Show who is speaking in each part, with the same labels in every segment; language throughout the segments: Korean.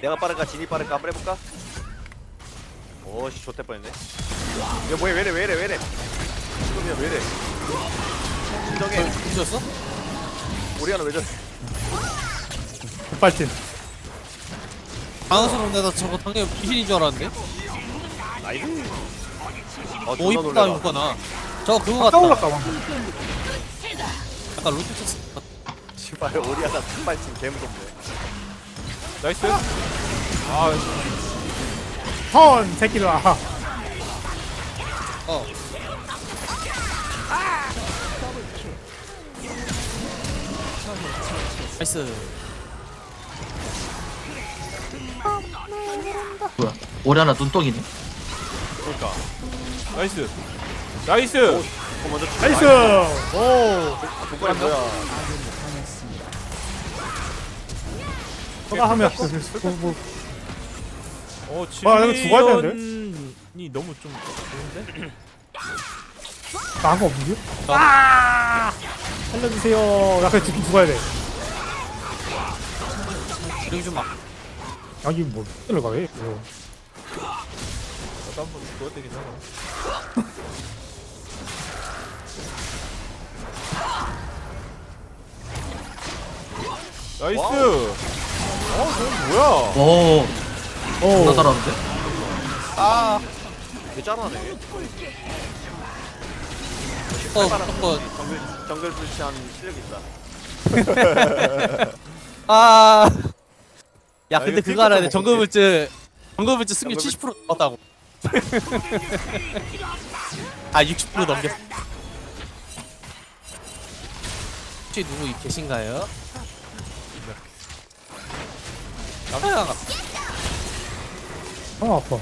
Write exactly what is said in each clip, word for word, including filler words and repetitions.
Speaker 1: 내가 빠를까 진이 빠를까 한번 해볼까? 오씨 좋대 뻔했네. 야 뭐야 왜래 왜래 왜래 지금이야 왜래 진정해.
Speaker 2: 뒤졌어?
Speaker 1: 오리아나 왜 저래.
Speaker 3: 급발진.
Speaker 2: 당황스러운데 나 저거 당연히 귀신인 줄 알았는데?
Speaker 1: 나이스. 어
Speaker 2: 오
Speaker 1: 존나
Speaker 2: 이쁘다
Speaker 1: 놀래라.
Speaker 2: 이거나 저거 그거
Speaker 3: 아,
Speaker 2: 같다
Speaker 3: 올랐다 와.
Speaker 2: 약간 로켓
Speaker 1: 씨발 오리아나 신발진 개무섭네.
Speaker 4: 나이스. 아
Speaker 3: 턴 새끼들아.
Speaker 2: 어 나이스
Speaker 5: 뭐야? 오리아나 눈덩이네.
Speaker 4: 그러니까. 나이스. 나이스.
Speaker 1: 어 먼저
Speaker 3: 나이스. 오.
Speaker 1: 조건이 뭐야.
Speaker 3: 너가 하면 뭐, 뭐.
Speaker 4: 어
Speaker 3: 와, 이거 죽어야 되는데?
Speaker 4: 지민이 너무 좀 좋은데?
Speaker 3: 나한 거 없는데? 아! 살려주세요. 나 그냥 죽긴 죽어야 돼.
Speaker 2: 그리고 좀막
Speaker 3: 여기 뭐 들어가 왜? 이거.
Speaker 4: 나도 한번 죽어야 되긴 하나. 나이스.
Speaker 1: 와우.
Speaker 4: 어, 저건 뭐야?
Speaker 5: 오,
Speaker 3: 오.
Speaker 5: 존나 잘하는데?
Speaker 1: 아 개 잘하네.
Speaker 2: 어 저거
Speaker 1: 정글 정글 불치한 실력 있다.
Speaker 2: 아. 야
Speaker 4: 아,
Speaker 2: 근데
Speaker 4: 이거
Speaker 2: 그거 알아야 돼.
Speaker 4: 킬컷
Speaker 2: 정글물질 정글물질 승률
Speaker 1: 정글물-
Speaker 2: 칠십 퍼센트 넘었다고. 아 육십 퍼센트 넘겼어. 혹시 누구 계신가요? 깜짝이야.
Speaker 3: 아 아파.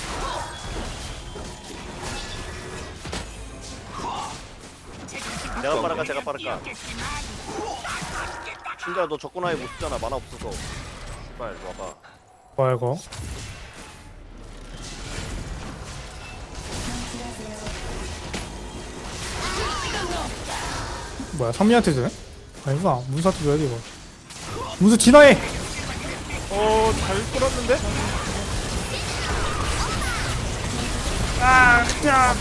Speaker 1: 내가 빠를까 제가 빠를까. 신자야 너 적군 아예 못 쓰잖아 만화 없어서. 씨발 이리 와봐.
Speaker 3: 뭐야 이거? 뭐야 선미한테 주네? 아니구나 문사한테 줘야 돼 이거. 문수 진화해.
Speaker 4: 어, 잘 끌었는데?
Speaker 3: 아 그냥.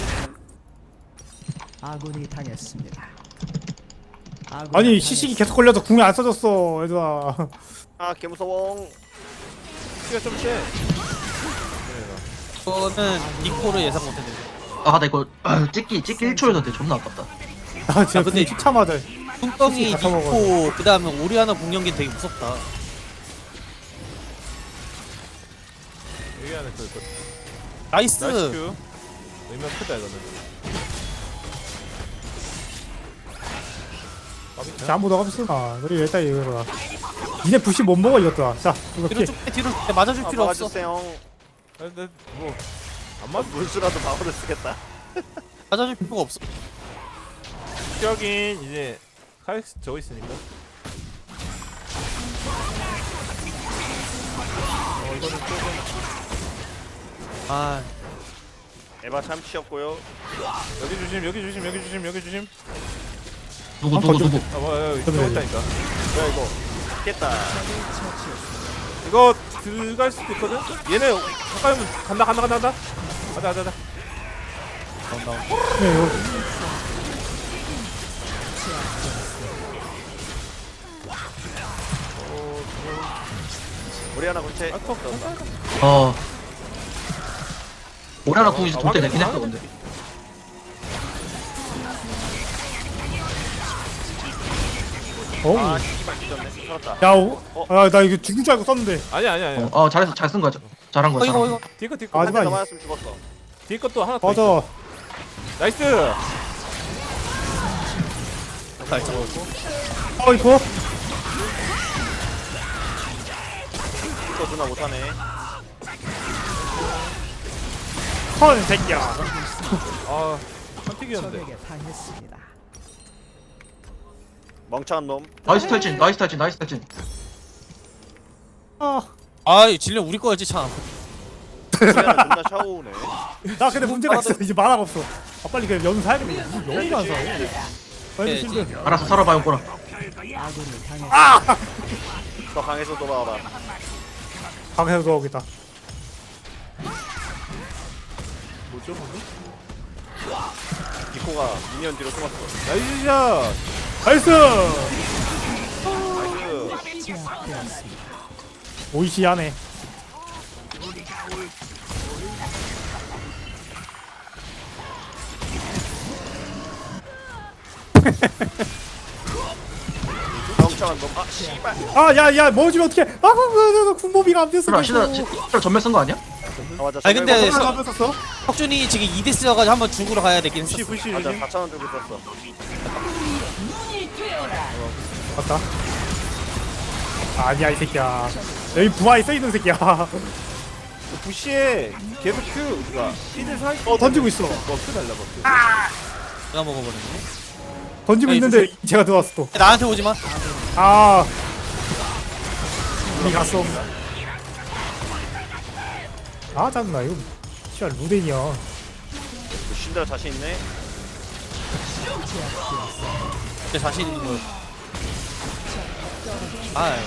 Speaker 6: 아군이 당했습니다. 아군이
Speaker 3: 아니 시식이 계속 걸려서 궁이 안 써졌어 얘들아.
Speaker 1: 아 개무서워.
Speaker 4: 키가 좀 세.
Speaker 2: 이거는 니코를 예상 못했는데.
Speaker 5: 아, 나 이거 아, 찍기 찍기 일 초였는데 존나 아깝다.
Speaker 3: 나 진짜
Speaker 2: 아, 근데
Speaker 3: 궁 쫓자마자.
Speaker 2: 뚱덩이
Speaker 3: 같아 먹어요.
Speaker 2: 니코 그 다음에 오리아나 공룡기 되게 무섭다.
Speaker 4: 여기 안에 그, 그
Speaker 2: 나이스.
Speaker 4: 나이스 큐. 의미가 크다 이거는.
Speaker 3: 자 아무도 없어. 아 우리 일단 이거라. 니네 부시 못 먹어 이것들아. 자 이거
Speaker 2: 뒤로
Speaker 3: 피.
Speaker 2: 쭉 빼, 뒤로 쭉 빼. 맞아줄
Speaker 1: 아
Speaker 2: 필요 없어.
Speaker 1: 막아주세요.
Speaker 4: 아, 근데 뭐 안
Speaker 1: 아,
Speaker 4: 맞.
Speaker 1: 물수라도 방어를 쓰겠다.
Speaker 2: 맞아줄 필요가 없어.
Speaker 4: 여긴 이제 카이스 저거 있으니까. 어, 이거는 조금.
Speaker 2: 아
Speaker 1: 에바 참치였고요.
Speaker 4: 여기 조심, 여기 조심, 여기 조심, 여기 조심.
Speaker 5: 누구
Speaker 3: 아,
Speaker 5: 누구
Speaker 3: 거기-
Speaker 5: 누구?
Speaker 4: 아, 뭐야, 여기
Speaker 3: 그러면
Speaker 4: 들어있다니까.
Speaker 1: 뭐야 이거. 깼다.
Speaker 4: 이거 들어갈 수도 있거든. 얘네 가까이 오면 간다, 간다, 간다, 간다. 가자, 가자, 가자.
Speaker 3: 네, 이거.
Speaker 1: 오리아나 군체.
Speaker 4: 아, toch.
Speaker 5: 어. 오리아나 궁이
Speaker 4: 아,
Speaker 5: 돌때 되긴
Speaker 4: 확인-
Speaker 5: 했어 근데.
Speaker 3: 어우.
Speaker 1: 아 씨발 뒤졌네. 살았다.
Speaker 3: 야, 오, 아, 나 이거 죽을 줄 알고 썼는데.
Speaker 4: 아니야, 아니야, 아니야.
Speaker 5: 어, 어 잘했어, 잘 쓴 거야. 자- 잘한 거야.
Speaker 2: 어, 이거
Speaker 5: 잘한
Speaker 2: 이거
Speaker 5: 거야.
Speaker 4: 뒤에 거, 뒤에 거.
Speaker 3: 아,
Speaker 1: 한 대더
Speaker 3: 하지마.
Speaker 1: 맞았으면 죽었어.
Speaker 4: 뒤에 것도 하나 더 있어.
Speaker 3: 맞아.
Speaker 4: 나이스.
Speaker 2: 나이스.
Speaker 3: 어, 이거.
Speaker 1: 이거 누나 못하네.
Speaker 3: 턴 새끼야.
Speaker 4: 아, 선택이었는데.
Speaker 6: 적에게 당했습니다.
Speaker 1: 멍청한 놈.
Speaker 5: 나이스 탈진, 나이스 탈진, 나이스 탈진.
Speaker 3: 아,
Speaker 2: 아이 질량 우리 거였지 참.
Speaker 1: 오리아나 존나 샤오우네.
Speaker 3: 나 근데 문제가 있어. 이제 만화가 없어. 아, 빨리 그냥 연 사야겠네. 무슨 연이 안 사. 빨리
Speaker 2: 네,
Speaker 3: 실드.
Speaker 5: 알았어, 살아봐요, 꼬라.
Speaker 6: 아군이 당했습니다.
Speaker 1: 더 강해서 돌아와봐.
Speaker 3: 방에서 들어오겠다.
Speaker 4: 뭐죠 방금?
Speaker 1: 디코가 미니언 뒤로 숨었어.
Speaker 4: 나이스 샷.
Speaker 3: 나이스!
Speaker 1: 나이스.
Speaker 6: 제압되었습니다.
Speaker 3: 오이시하네.
Speaker 1: 멍청한 놈. 아 씨발.
Speaker 3: 아, 야, 야, 먹어주면 어떡해. 아, 아, 아, 아, 군모비가 안 됐어.
Speaker 5: 시드라 시드라 시드라 전멸 쓴 거 아니야?
Speaker 1: 아 맞아.
Speaker 2: 아니, 근데
Speaker 1: 저걸
Speaker 2: 서-
Speaker 3: 한번 썼어?
Speaker 2: 혁준이 지금 이 대 쓰여가지고 한번 죽으러 가야 되긴
Speaker 4: 부시
Speaker 2: 했어.
Speaker 4: 부시
Speaker 1: 맞아
Speaker 4: 조심.
Speaker 1: 사천 원 들고 있었어.
Speaker 3: 맞다. 아니야, 이 새끼야. 여기 부하에 써있는 새끼야.
Speaker 4: 그 부시에 계속 큐 그니까 시드 사.
Speaker 3: 어, 던지고 있어.
Speaker 4: 너큐 달라 봐.
Speaker 2: 내가 먹어버렸네.
Speaker 3: 던지고
Speaker 2: 아니,
Speaker 3: 있는데 제가 들어왔어 또.
Speaker 2: 나한테 오지 마.
Speaker 3: 아. 이 갔어. 아, 짜증나. 이거 씨발 루덴이야.
Speaker 1: 신드라 자신 있네.
Speaker 2: 내 자신 있는 거. 아,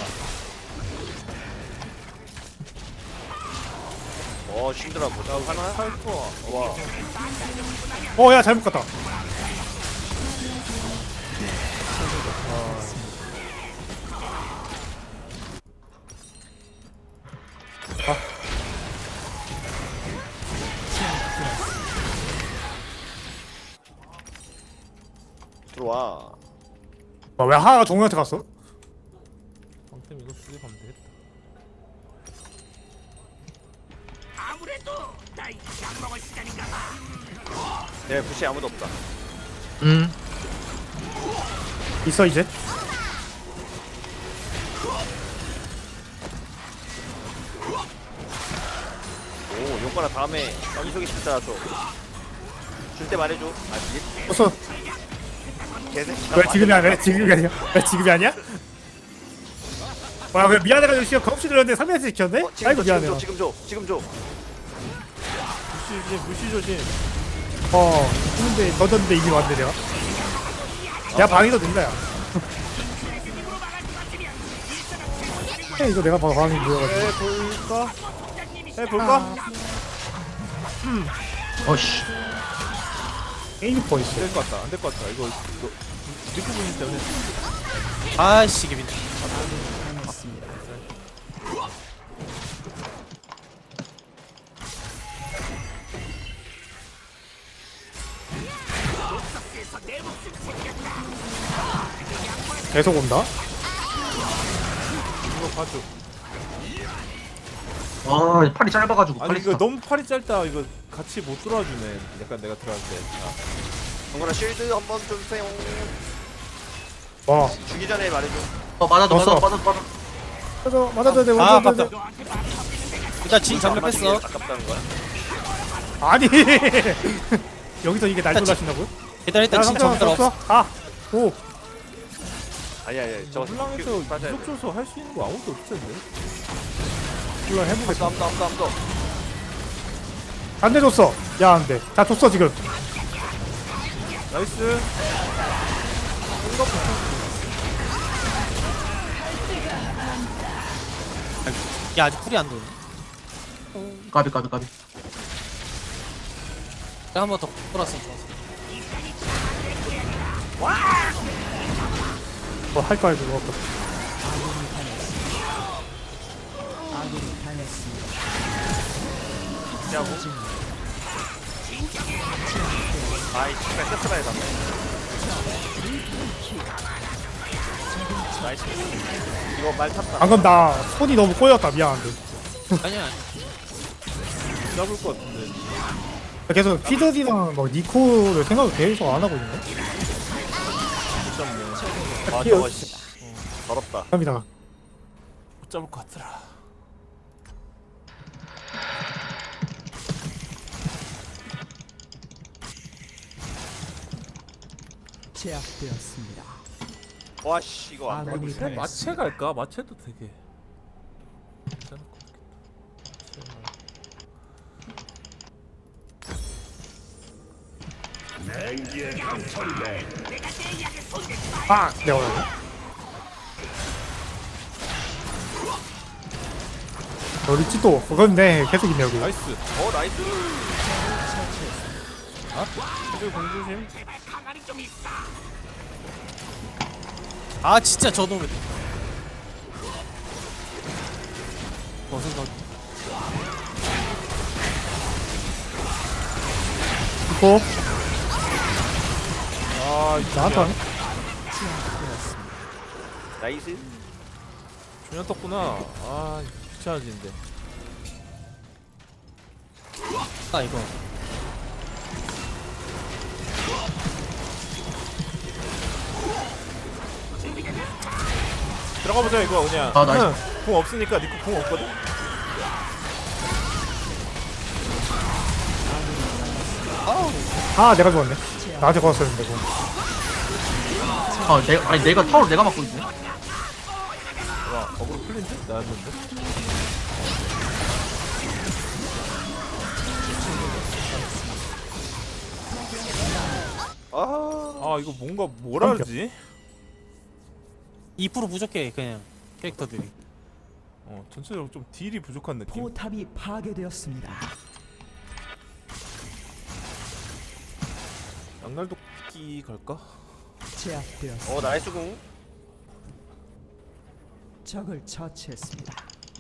Speaker 1: 어 신드라 보자. 하나.
Speaker 4: 팔퍼.
Speaker 1: 와.
Speaker 3: 어, 야, 잘못 갔다.
Speaker 1: 들어와.
Speaker 3: 아, 왜 하하가 종우한테 갔어?
Speaker 4: 방템 이거 두 개 가면 되겠다.
Speaker 1: 내 부시 아무도 없다.
Speaker 5: 음.
Speaker 3: 있어, 이제.
Speaker 1: 오 용건아 다음에 여기 속에 있을 때라 줘. 줄 때 말해줘. 아 이게
Speaker 3: 어서.
Speaker 1: 개새끼.
Speaker 3: 왜 지금이 아니야? 왜 지금이 아니야? 왜 지금이 아니야? 와, 왜 미안해가지고 시간 겁없이 들었는데 삼 회째 지켰네?
Speaker 1: 어, 지금
Speaker 3: 아이고,
Speaker 1: 줘,
Speaker 3: 미안해요.
Speaker 1: 지금 줘. 지금 줘. 지금 줘.
Speaker 4: 부시 조심 부시 조심.
Speaker 3: 어, 했는데 던졌는데 이미 왔네, 내가. 내가 방에서 된다, 야. 에, 이거 내가 방에 모여가지고.
Speaker 4: 해볼까? 해볼까?
Speaker 5: 어씨.
Speaker 3: 게임 포인트.
Speaker 4: 될 것 같다. 안 될 것 같다. 이거 이거 리크 분이 때문에.
Speaker 2: 아이씨, 이게 민.
Speaker 6: 당했습니다.
Speaker 3: 계속 온다?
Speaker 4: 이거 봐줘.
Speaker 5: 아 팔이 짧아가지고
Speaker 4: 아니
Speaker 5: 빨리
Speaker 4: 이거
Speaker 5: 써.
Speaker 4: 너무 팔이 짧다. 이거 같이 못 들어와주네. 약간 내가 들어갈 때. 아,
Speaker 1: 용건아 실드 한번 좀 주세요.
Speaker 3: 와.
Speaker 1: 주기 전에 말해줘.
Speaker 5: 어 맞아도
Speaker 3: 왔어.
Speaker 5: 맞아도 맞아도 맞아.
Speaker 3: 맞아, 맞아줘야 돼,
Speaker 2: 아,
Speaker 3: 맞아줘야 돼.
Speaker 2: 아깝다. 일단 진 장면
Speaker 1: 안 맞추기
Speaker 2: 뺐어.
Speaker 1: 아깝다는 거야.
Speaker 3: 아니! 여기서 이게 날 놀라신다고요?
Speaker 2: 일단 일단 진
Speaker 3: 삼성
Speaker 2: 장면 없어.
Speaker 3: 없어? 아! 오!
Speaker 1: 아니 아니 저거
Speaker 4: 훌랑에서
Speaker 1: 맞아야
Speaker 4: 이속 줘서 할 수 있는 거 아무것도 없을 텐데.
Speaker 3: 물론 해보겠어.
Speaker 1: 아무도 아무도 아무도 아무도.
Speaker 3: 안 돼, 줬어. 야, 안 돼. 다 줬어, 지금.
Speaker 4: 나이스.
Speaker 2: 야, 아직 풀이 안 도네.
Speaker 5: 까비 까비 까비.
Speaker 2: 내가 한 번 더 풀었으면 좋았어.
Speaker 3: 뭐 할까 해도 없어.
Speaker 6: 아군이 당했습니다.
Speaker 1: 야구. 아이 씨발 세트라에 갔네. 나이스. 이거 말 탔다.
Speaker 3: 방금 나 손이 너무 꼬였다. 미안한데.
Speaker 2: 아니야, 아니야.
Speaker 4: 잡을 것 같은데.
Speaker 3: 계속 피드디랑 막 니코를 생각을 계속 안 하고 있네.
Speaker 4: 못 잡네.
Speaker 1: 아 저거 씨. 더럽다.
Speaker 3: 감사합니다.
Speaker 4: 못 잡을 것 같더라.
Speaker 6: 제압되었습니다.
Speaker 1: 와씨 이거 안 돼.
Speaker 6: 아군이
Speaker 4: 마체,
Speaker 6: 당했습니다.
Speaker 4: 마체 갈까? 마체도 되게 괜찮을 것 같겠다.
Speaker 3: 아! 내가 원하네. 우리 찌또 그건데 계속 있네 여기.
Speaker 4: 나이스.
Speaker 1: 어 나이스.
Speaker 4: 이들 공조심.
Speaker 2: 아 진짜 저놈의 어생각
Speaker 3: 있고
Speaker 4: 아
Speaker 3: 나한테 하네.
Speaker 1: 나이스.
Speaker 4: 준현 떴구나. 아 귀찮아지는데.
Speaker 2: 아 이거
Speaker 4: 들어가 보자 이거 그냥.
Speaker 5: 아, 나이스.
Speaker 4: 궁 없으니까 니코 궁 없거든.
Speaker 3: 아 내가 죽었네. 나한테 걸었었는데 그거.
Speaker 5: 아 내가 아니 내가 타워를 내가 막고 있네.
Speaker 4: 와 어그로 풀린 듯 나왔는데.
Speaker 1: 아.
Speaker 4: 아 이거 뭔가 뭐라 그러지?
Speaker 2: 이 퍼센트 부족해 그냥 캐릭터들이.
Speaker 4: 어 전체적으로 좀 딜이 부족한 느낌.
Speaker 6: 포탑이 파괴되었습니다.
Speaker 4: 양날도끼 갈까?
Speaker 6: 제압되었습니다.
Speaker 1: 어 나이스 궁.
Speaker 6: 적을 처치했습니다.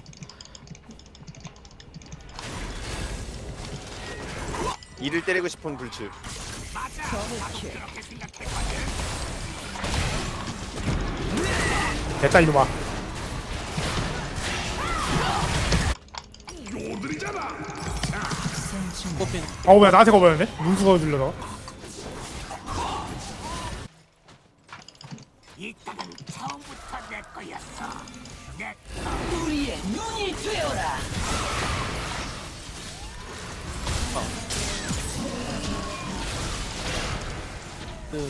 Speaker 1: 이를 때리고 싶은 불츠.
Speaker 3: 됐다 이놈아.
Speaker 2: 뽑힌
Speaker 3: 어우 왜 나한테 거버렸네? 문수가 들려서.
Speaker 2: 그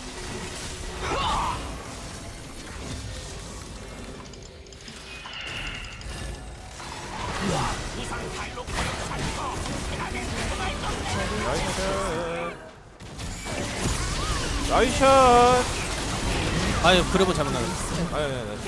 Speaker 4: 나이샷.
Speaker 2: 아유 그래보 잘못 나갔어.
Speaker 4: 아니 아니 아니.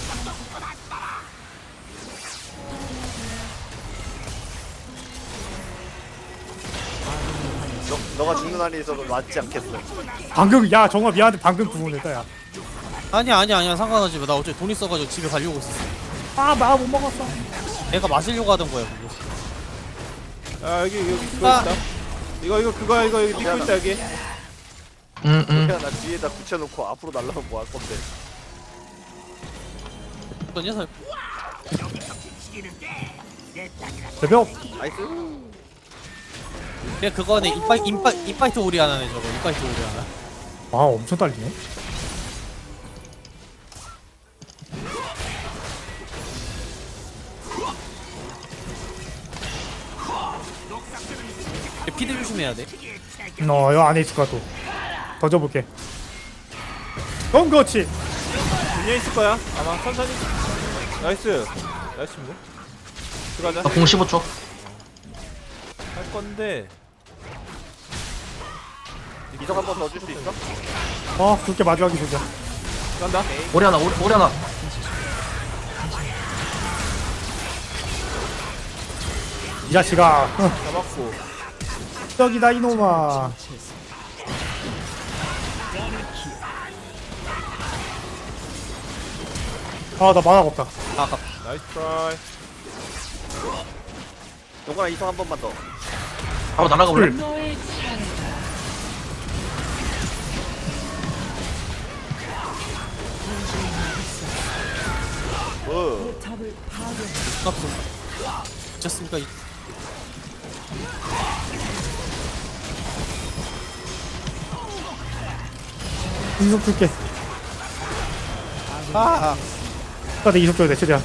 Speaker 1: 너 너가 죽는 한이 있어도 맞지 않겠어.
Speaker 3: 방금 야 정말 미안한데 방금 구분했다 야.
Speaker 2: 아니야 아니야 아니야 상관하지 마. 나 어차피 돈 있어가지고 집에 가려고 있었어.
Speaker 3: 아나 못 먹었어.
Speaker 2: 내가 마시려고 하던 거야 그거.
Speaker 4: 아 여기 여기 그거
Speaker 2: 아.
Speaker 4: 있다. 이거 이거 그거 이거 여기 니코 있다 여기.
Speaker 5: 응응.
Speaker 1: 야, 나 뒤에다 붙여놓고 앞으로 날라면 뭐 할 건데.
Speaker 2: 어떤 녀석
Speaker 3: 대벽.
Speaker 1: 나이스.
Speaker 2: 그냥 그거네 인파이 인파 인파이트 오리 하나네 저거 인파이트 오리 하나.
Speaker 3: 아 엄청 딸리네.
Speaker 2: 피드 조심해야 돼.
Speaker 3: 어 여기 안에 있을 거야 또. 던져볼게. 그럼 그렇지.
Speaker 4: 뒤에 있을 거야. 아마 천천히. 나이스. 나이스입니다. 들어가자.
Speaker 5: 나공 십오 초.
Speaker 4: 할 건데.
Speaker 1: 이석 한 번 더 줄 수 있어?
Speaker 3: 어 그렇게 마주하기 좋자.
Speaker 4: 간다.
Speaker 5: 오리 하나 오리, 오리 하나.
Speaker 3: 이 자식아. 어,
Speaker 4: 잡았고.
Speaker 3: 떡이다 이놈아. 아 나 만화가 없다.
Speaker 2: 아 아까
Speaker 4: 나이스 트라이.
Speaker 1: 용건아 이석 한 번만 더.
Speaker 5: 바로 날아가 볼래?
Speaker 1: 어.
Speaker 6: 포탑을 파괴.
Speaker 2: 값좀 미쳤습니까? 이-
Speaker 3: 이속 줄게.
Speaker 2: 아,
Speaker 3: 나내 이속 줘야 돼 최대한.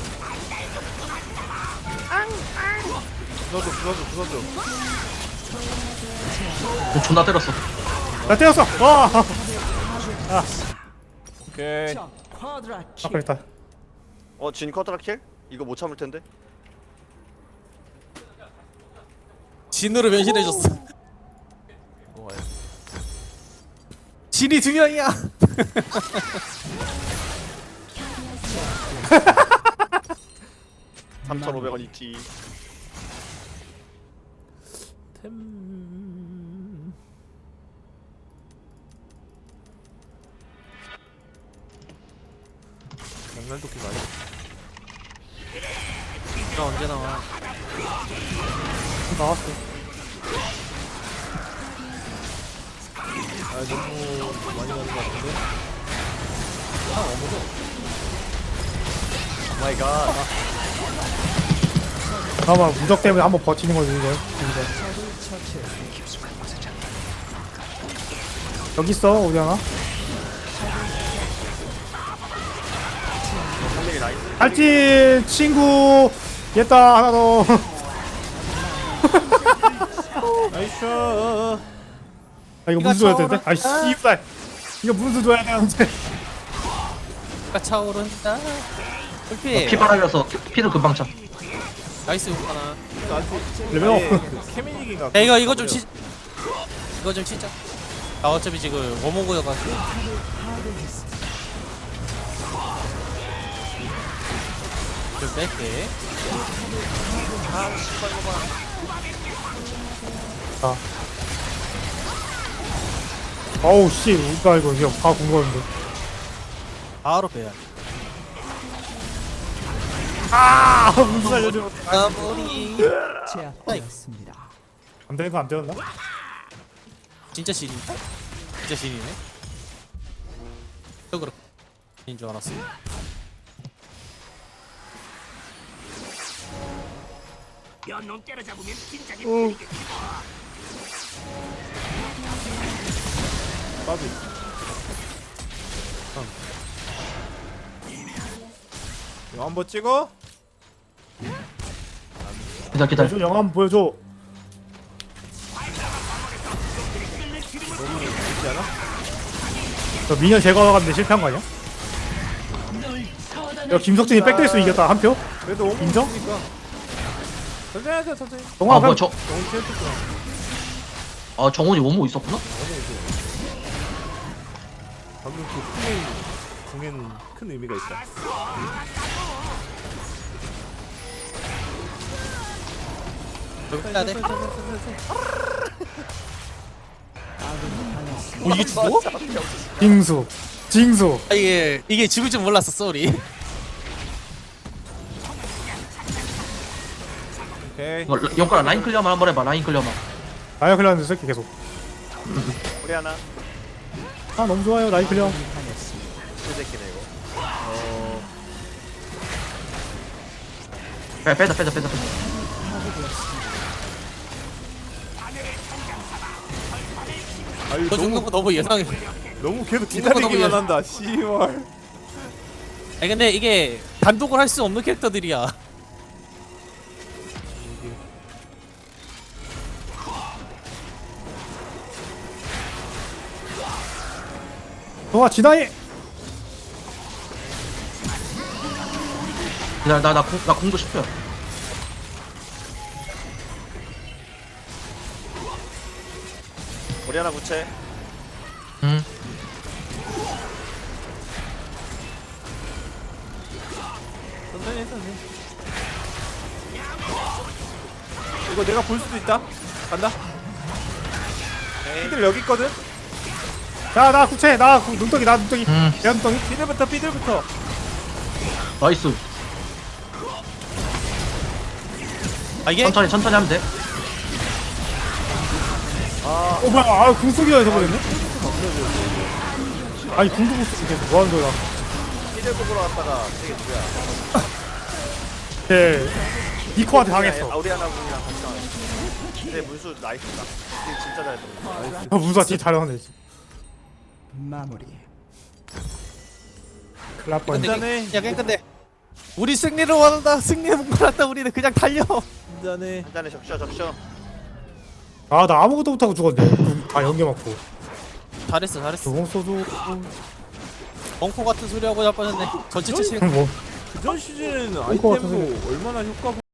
Speaker 4: 부서줘 부서줘 부서줘.
Speaker 5: 공 존나 때렸어.
Speaker 3: 나 때렸어. 와.
Speaker 4: 오케이.
Speaker 6: 적 쿼드라
Speaker 3: 아
Speaker 6: 킬.
Speaker 3: 그랬다.
Speaker 1: 어, 진 커트라 킬? 이거 못 참을 텐데.
Speaker 2: 진으로 변신해줬어.
Speaker 4: 이거 와요.
Speaker 2: 진이 두 명이야.
Speaker 1: 삼천오백 원 있지.
Speaker 4: 템 장난도끼 많이
Speaker 2: 나 언제 나와?
Speaker 3: 나왔어.
Speaker 4: 아 너무 많이 가는 것 같은데.
Speaker 1: 오 마이 갓.
Speaker 3: 잠깐만 무적 때문에 한번 버티는 거지 이거. 이거. 여기 있어 우리 하나.
Speaker 1: 상민이 나이스.
Speaker 3: 알지 친구. 얘다 하나 더.
Speaker 4: 나이스.
Speaker 3: 아 이거 문수 줘야 되는데? 아이 씨발. 이거 문수 줘야 되는데.
Speaker 2: 가 차오른다. 불피.
Speaker 5: 피 빨아려서 피를 금방 차.
Speaker 2: 나이스 하나.
Speaker 3: 레벨
Speaker 4: 아예
Speaker 3: 업.
Speaker 4: 그 케미닉인가?
Speaker 2: 야 이거 이거 좀 치. 이거 좀 치자. 나 어차피 지금 워머고여가지고. 좀 뺄게.
Speaker 3: 어우 씨 우리가 이거 그냥 다 궁금한데.
Speaker 2: 바로 빼야 돼.
Speaker 3: 아 문수 살려줘.
Speaker 2: 아무리
Speaker 6: 제압되었습니다.
Speaker 3: 안 되는 거 안 되었나?
Speaker 2: 진짜 신인가? 진짜 신이네. 저 그렇. 인줄 알았어.
Speaker 4: 빠비. 이거 한번 찍어.
Speaker 5: 기다려 기다려.
Speaker 3: 보여줘 영화 한번 보여줘.
Speaker 4: 너무 좋지 않아?
Speaker 3: 저 미녀 제거하는데 실패한 거 아니야? 야 김석진이 백대수 이겼다 한 표?
Speaker 4: 그래도 오면
Speaker 3: 인정?
Speaker 4: 있으니까. 천천히 하자 천천히.
Speaker 3: 동아
Speaker 5: 아 뭐야
Speaker 3: 그럼
Speaker 5: 저.
Speaker 4: 너무 취했었구나.
Speaker 5: 아 정훈이 원모 있었구나?
Speaker 4: 방금 그 플레이 공에는 큰 의미가 있다.
Speaker 2: 여기 빼야 돼. 오 이게 죽어?
Speaker 3: 징수 징수.
Speaker 2: 아, 이게 이게 죽을 줄 몰랐어 쏘리.
Speaker 4: 오케이.
Speaker 5: 이거 영가라 라인 클리어만 한번 해봐. 라인 클리어만.
Speaker 3: 나야 클리어하는 새끼 계속.
Speaker 1: 우리 하나.
Speaker 3: 아 너무 좋아요 나이 클리어.
Speaker 1: 그 새끼네 이거.
Speaker 5: 빼 빼자 빼자 빼자 빼자.
Speaker 4: 아유
Speaker 2: 저 죽는
Speaker 4: 너무
Speaker 2: 거 너무 예상해.
Speaker 4: 너무 계속
Speaker 2: 죽는 거 너무
Speaker 4: 기다리기만
Speaker 2: 예상-
Speaker 4: 한다. 씨발.
Speaker 2: 아니 근데 이게 단독을 할 수 없는 캐릭터들이야.
Speaker 3: 동아 지나이.
Speaker 5: 기다려 나나 나 공도 십 표야.
Speaker 1: 우리 하나 구체.
Speaker 5: 응.
Speaker 4: 천천히 해 천천히. 이거 내가 볼 수도 있다. 간다. 피들 여기 있거든.
Speaker 3: 야나 구체 나 구- 눈덩이 나 눈덩이.
Speaker 5: 음.
Speaker 3: 야 눈덩이.
Speaker 4: 피들부터 피들부터.
Speaker 5: 나이스.
Speaker 2: 아 이게
Speaker 5: 천천히 천천히 하면 돼.
Speaker 3: 어 뭐야 아 궁수기가 해버렸네. 아니 궁도 못 쓰게 계속 뭐하는 거야.
Speaker 1: 피들 뽑으러 갔다가 되게 누구야?
Speaker 3: 네 니코한테 당했어.
Speaker 1: 아 우리 하나 분이랑 같이 나왔어. 근데 문수 나이스다. 딜 진짜 잘했다.
Speaker 3: 아 문수가 진짜 잘하네.
Speaker 6: 마무리.
Speaker 3: 큰일 날 뻔.
Speaker 2: 근데
Speaker 4: 한잔해.
Speaker 2: 야 근데 우리 승리를 원한다. 승리에 목말랐다. 우리는 그냥 달려.
Speaker 4: 한잔해.
Speaker 1: 한 잔에 적셔 적셔.
Speaker 3: 아나 아무것도 못하고 죽었네. 다 연계 맞고.
Speaker 2: 잘했어 잘했어.
Speaker 3: 조공 쏘도
Speaker 2: 벙커 같은 소리 하고 자빠졌네. 전체 치신
Speaker 3: 뭐
Speaker 4: 그전 시즌
Speaker 3: 것 같아서
Speaker 4: 아이템도 얼마나 효과